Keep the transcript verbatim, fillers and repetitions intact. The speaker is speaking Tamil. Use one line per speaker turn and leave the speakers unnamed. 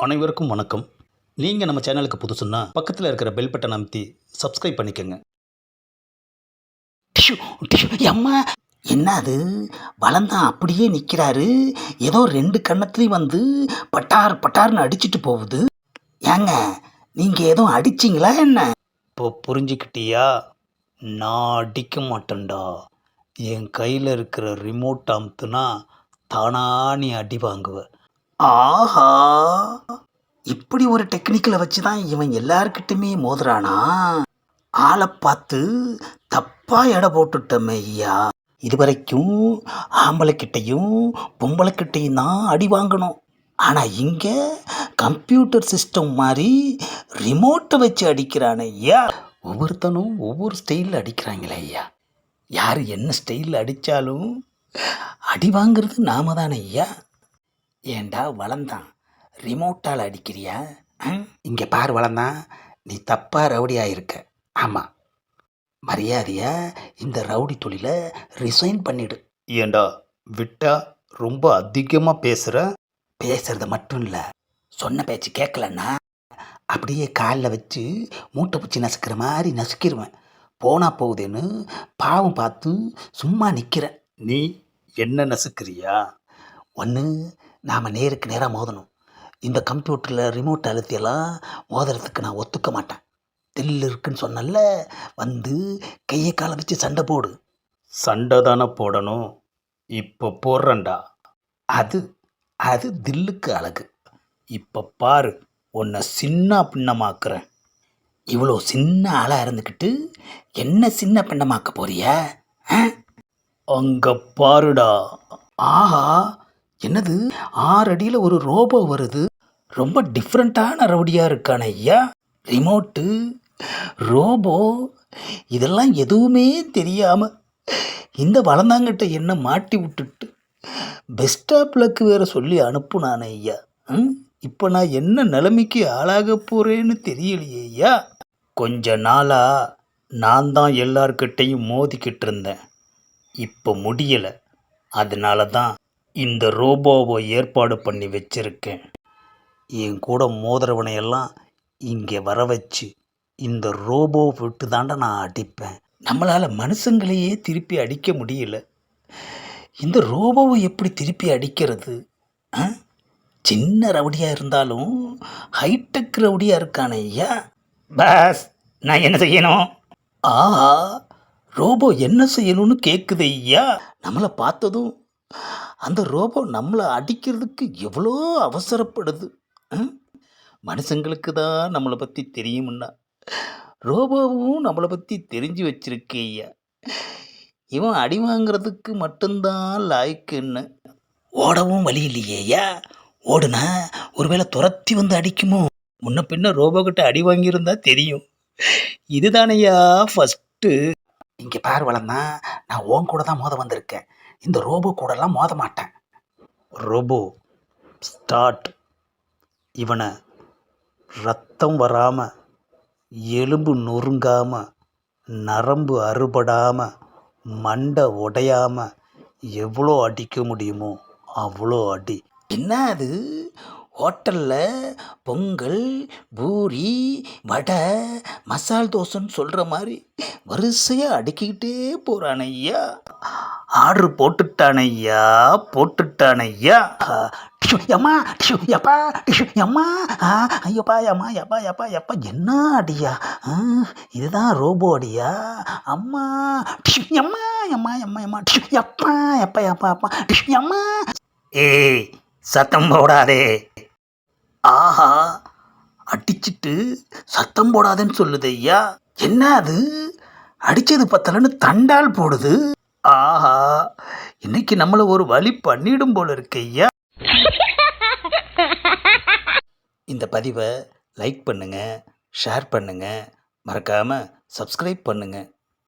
அனைவருக்கும் வணக்கம். நீங்கள் நம்ம சேனலுக்கு புதுசுன்னா பக்கத்தில் இருக்கிற பெல் பட்டன் அமைத்தி சப்ஸ்கிரைப் பண்ணிக்கோங்க.
டிஷு டிஷு அம்மா, என்ன அது? வளந்தான் அப்படியே நிற்கிறாரு. ஏதோ ரெண்டு கன்னத்துலேயும் வந்து பட்டார் பட்டார்னு அடிச்சிட்டு போகுது. ஏங்க, நீங்கள் எதுவும் அடிச்சிங்களா என்ன?
இப்போ புரிஞ்சுக்கிட்டியா? நான் அடிக்க மாட்டேன்டா. என் கையில் இருக்கிற ரிமோட் அமுத்துனா தானா நீ அடி வாங்குவ.
ஆஹா, இப்படி ஒரு டெக்னிக்கலை வச்சு தான் இவன் எல்லாருக்கிட்டுமே மோதுறானா? ஆளை பார்த்து தப்பாக எடை போட்டுட்டோமே ஐயா. இதுவரைக்கும் ஆம்பளைக்கிட்டையும் பொம்பளைக்கிட்டையும் தான் அடி வாங்கணும். ஆனால் இங்கே கம்ப்யூட்டர் சிஸ்டம் மாதிரி ரிமோட்டை வச்சு அடிக்கிறானே ஐயா.
ஒவ்வொருத்தனும் ஒவ்வொரு ஸ்டைலில் அடிக்கிறாங்களே ஐயா. யார் என்ன ஸ்டைலில் அடித்தாலும் அடி வாங்கிறது நாம தானே ஐயா.
ஏண்டா வளந்தான், ரிமோட்டால் அடிக்கிறியா?
இங்கே பார் வளந்தான், நீ தப்பாக ரவுடியாக இருக்க.
ஆமாம், மரியாதையா இந்த ரவுடி தொழிலை ரிசைன் பண்ணிடு.
ஏண்டா விட்டா ரொம்ப அதிகமாக பேசுகிற.
பேசுறது மட்டும் இல்லை, சொன்ன பேச்சு கேட்கலன்னா அப்படியே காலில் வச்சு மூட்டை பூச்சி நசுக்கிற மாதிரி நசுக்கிடுவேன். போனா போகுதுன்னு பாவம் பார்த்து சும்மா நிற்கிறேன்.
நீ என்ன நசுக்கிறியா?
ஒன்று, நாம் நேருக்கு நேராக மோதணும். இந்த கம்ப்யூட்டரில் ரிமோட் அழுத்தியெல்லாம் மோதுறதுக்கு நான் ஒத்துக்க மாட்டேன். தில்லு இருக்குன்னு சொன்னல, வந்து கையை காலை வச்சு சண்டை போடு.
சண்டை தானே போடணும், இப்போ போடுறேன்டா.
அது அது தில்லுக்கு அழகு.
இப்போ பாரு, உன்னை சின்ன பின்னமாக்குறேன்.
இவ்வளோ சின்ன ஆளாக இருந்துக்கிட்டு என்ன சின்ன பின்னமாக்க போறியா?
அங்கே பாருடா.
ஆஹா, என்னது? ஆறு அடியில் ஒரு ரோபோ வருது. ரொம்ப டிஃப்ரெண்ட்டான ரவுடியாக இருக்கான ஐயா. ரிமோட்டு, ரோபோ, இதெல்லாம் எதுவுமே தெரியாமல் இந்த வளர்ந்தாங்கிட்ட என்ன மாட்டி விட்டுட்டு பெஸ்டாப்லக்கு வேறு சொல்லி அனுப்புனானே ஐயா. ம் இப்போ நான் என்ன நிலைமைக்கு ஆளாக போகிறேன்னு தெரியலையே ஐயா.
கொஞ்ச நாளாக நான் தான் எல்லார்கிட்டையும் மோதிக்கிட்டு இருந்தேன். இப்போ முடியலை. அதனால தான் இந்த ரோபோவை ஏற்பாடு பண்ணி வச்சிருக்கேன். என் கூட மோதிரவனையெல்லாம் இங்கே வர வச்சு இந்த ரோபோ விட்டு தாண்டா நான் அடிப்பேன்.
நம்மளால் மனுஷங்களையே திருப்பி அடிக்க முடியல, இந்த ரோபோவை எப்படி திருப்பி அடிக்கிறது? ஆ, சின்ன ரவுடியாக இருந்தாலும் ஹைடெக் ரவுடியாக இருக்கானே ஐயா.
பாஸ், நான் என்ன செய்யணும்?
ஆஹா, ரோபோ என்ன செய்யணும்னு கேட்குது ஐயா. நம்மளை பார்த்ததும் அந்த ரோபோ நம்மளை அடிக்கிறதுக்கு எவ்வளோ அவசரப்படுது. மனுஷங்களுக்கு தான் நம்மளை பற்றி தெரியுமுன்னா, ரோபோவும் நம்மளை பற்றி தெரிஞ்சு வச்சிருக்கே ஐயா. இவன் அடி வாங்கிறதுக்கு மட்டும்தான் லாய்க்குன்னு. ஓடவும் வழி இல்லையே ஐயா. ஓடுனா ஒருவேளை துரத்தி வந்து அடிக்குமோ? முன்ன பின்ன ரோபோக்கிட்ட அடி வாங்கியிருந்தா தெரியும். இதுதானையா ஃபஸ்ட்டு. இங்கே பார் வளர்ந்தான், நான் ஓன் கூட தான் மோத வந்திருக்கேன். இந்த ரோபோ கூடலாம் மோத மாட்டேன்.
Robot start. இவனை ரத்தம் வராமல், எலும்பு நொறுங்காமல், நரம்பு அறுபடாமல், மண்டை உடையாமல் எவ்வளோ அடிக்க முடியுமோ அவ்வளோ அடி.
என்ன அது? ஹோட்டலில் பொங்கல், பூரி, வடை, மசால் தோசைன்னு சொல்கிற மாதிரி வரிசையாக அடுக்கிக்கிட்டே போகிறான் ஐயா.
ஆர்டர் போட்டுட்டான் ஐயா, போட்டுட்டான் ஐயா.
டிஷு எம்மா, டிஷு எப்பா, டிஷு எம்மா, ஐயோப்பா எம்மா, எப்பா எப்பா எப்பா, என்ன அடியா? இதுதான் ரோபோ அடியா? அம்மா, டிஷு எம்மா, எம்மா எம்மா எம்மா, டிஷு எப்பா எப்பா எப்பா எப்பா, டிஷு எம்மா.
ஏய், சத்தம் போடாதே.
ஆஹா, அடிச்சிட்டு சத்தம் போடாதேன்னு சொல்லுது ஐயா. என்ன அது? அடித்தது பத்தலன்னு தண்டால் போடுது. ஆஹா, இன்னைக்கு நம்மளை ஒரு வழி பண்ணிடும் போல இருக்கு ஐயா. இந்த பதிவை லைக் பண்ணுங்கள், ஷேர் பண்ணுங்கள், மறக்காமல் சப்ஸ்கிரைப் பண்ணுங்கள்.